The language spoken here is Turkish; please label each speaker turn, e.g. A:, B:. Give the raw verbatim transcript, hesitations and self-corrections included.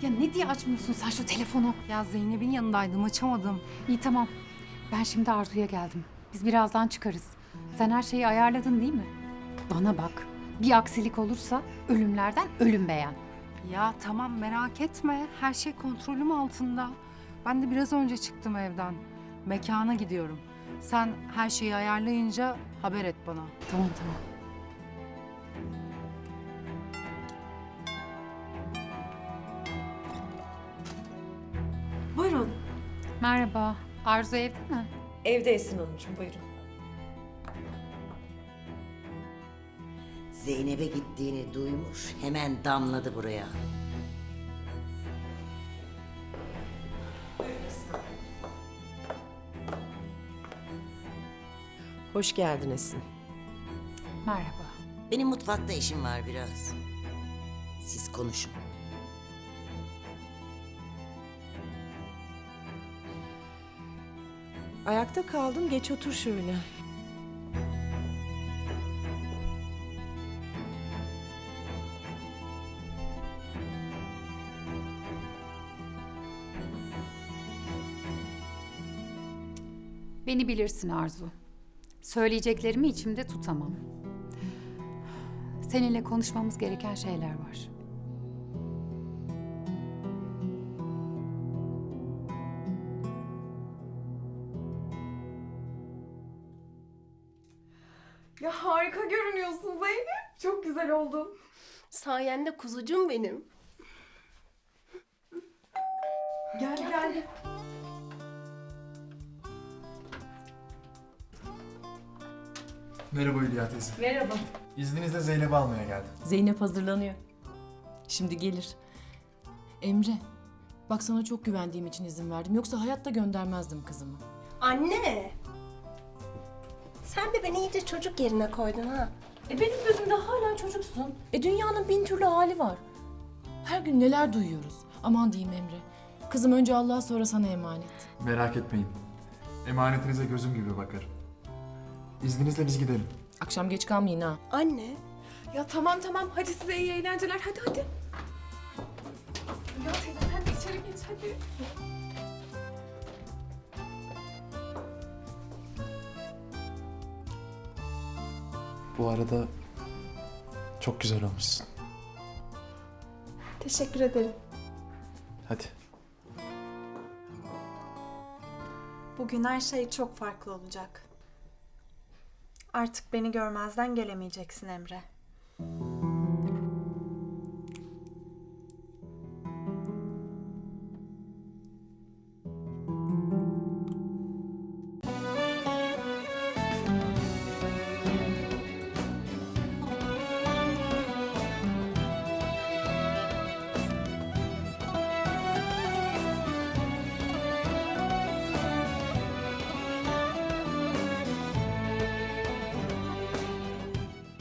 A: Ya ne diye açmıyorsun sen şu telefonu?
B: Ya Zeynep'in yanındaydım, açamadım.
A: İyi tamam. Ben şimdi Arzu'ya geldim. Biz birazdan çıkarız. Sen her şeyi ayarladın değil mi? Bana bak. Bir aksilik olursa ölümlerden ölüm beğen.
B: Ya tamam, merak etme. Her şey kontrolüm altında. Ben de biraz önce çıktım evden. Mekana gidiyorum. Sen her şeyi ayarlayınca haber et bana.
A: Tamam tamam.
C: Buyurun.
A: Merhaba. Arzu evde mi?
C: Evde Esin Hanımcığım, buyurun.
D: Zeynep'e gittiğini duymuş, hemen damladı buraya.
C: Hoş geldin Esin.
A: Merhaba.
D: Benim mutfakta işim var biraz. Siz konuşun.
C: Ayakta kaldın, geç otur şöyle.
A: Beni bilirsin Arzu. Söyleyeceklerimi içimde tutamam. Seninle konuşmamız gereken şeyler var.
E: Ya harika görünüyorsun Zeynep. Çok güzel oldun.
F: Sayende kuzucuğum benim.
E: Gel gel.
G: Merhaba Hülya teyze.
F: Merhaba.
G: İzninizle Zeynep'i almaya geldim.
H: Zeynep hazırlanıyor. Şimdi gelir. Emre, bak sana çok güvendiğim için izin verdim. Yoksa hayatta göndermezdim kızımı.
F: Anne! Sen de beni iyice çocuk yerine koydun ha.
H: E benim gözümde hala çocuksun. E dünyanın bin türlü hali var. Her gün neler duyuyoruz. Aman diyeyim Emre. Kızım önce Allah'a sonra sana emanet.
G: Merak etmeyin. Emanetinize gözüm gibi bakarım. İzninizle biz gidelim.
H: Akşam geç kalmayın ha.
F: Anne!
E: Ya tamam tamam hadi size iyi eğlenceler hadi hadi. Ya teyze sen de içeri geç hadi.
G: Bu arada çok güzel olmuşsun.
E: Teşekkür ederim.
G: Hadi.
I: Bugün her şey çok farklı olacak. Artık beni görmezden gelemeyeceksin Emre.